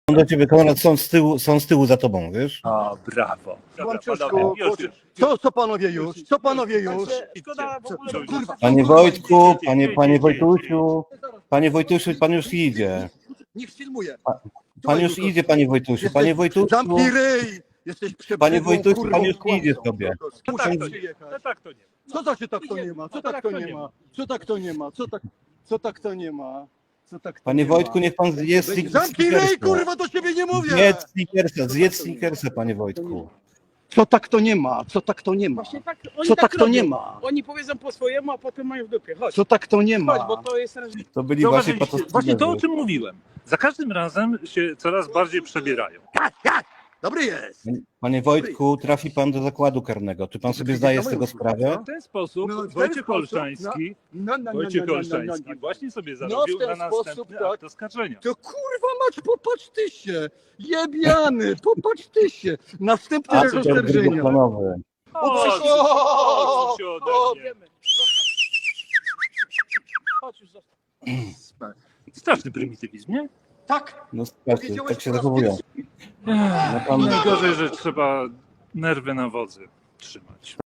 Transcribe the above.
do ciebie, Konrad, są z tyłu za tobą, wiesz? O, brawo. Łamczuszku, co panowie już? Co panowie już? Szkoda w ogóle... Kurwa, Panie Wojtku, panie Wojtusiu, pan już idzie. niech filmuje. Pan już idzie, panie Wojtusiu. Panie Wojtusiu, Zamknij ryj! Jesteś panie przebrzydłą, Wojtusiu, kurwą, pan już kłamcą. idzie sobie. No tak to nie, no tak to nie. Co to się tak to nie ma? Co tak to nie ma? Co tak to nie ma? Co tak to nie ma? Co tak to Panie nie ma? Wojtku, niech pan zje Zamknij ryj, kurwa, do ciebie nie mówię! Zjedz Snickersa, panie Wojtku. Co tak to nie ma? Co tak to nie ma? Właśnie tak, oni Co tak to robią. nie ma? Oni powiedzą po swojemu, a potem mają w dupie. Chodź, Co tak to nie ma? chodź, bo to jest teraz... To byli właśnie Zauważyliście, właśnie to, o czym mówiłem. Za każdym razem się coraz bardziej przebierają. Dobry jest! Panie Wojtku, trafi pan do zakładu karnego. Czy pan sobie zdaje z tego sprawę? W ten sposób No, w ten Wojciech sposób, Olszański, Wojciech Olszański właśnie sobie No, w zarobił ten na sposób, następny tak. akt oskarżenia. To kurwa mać, popatrz ty się! Jebiany, popatrz ty się! Następny A, raz to oskarżenia. drugoplanowy. Chodź, O! chodź się ode mnie. Wiemy. Chodź już, zostaw. Straszny prymitywizm, nie? Tak! No słuchajcie, tak się zachowują. No pan... Najgorzej, że trzeba nerwy na wodzy trzymać.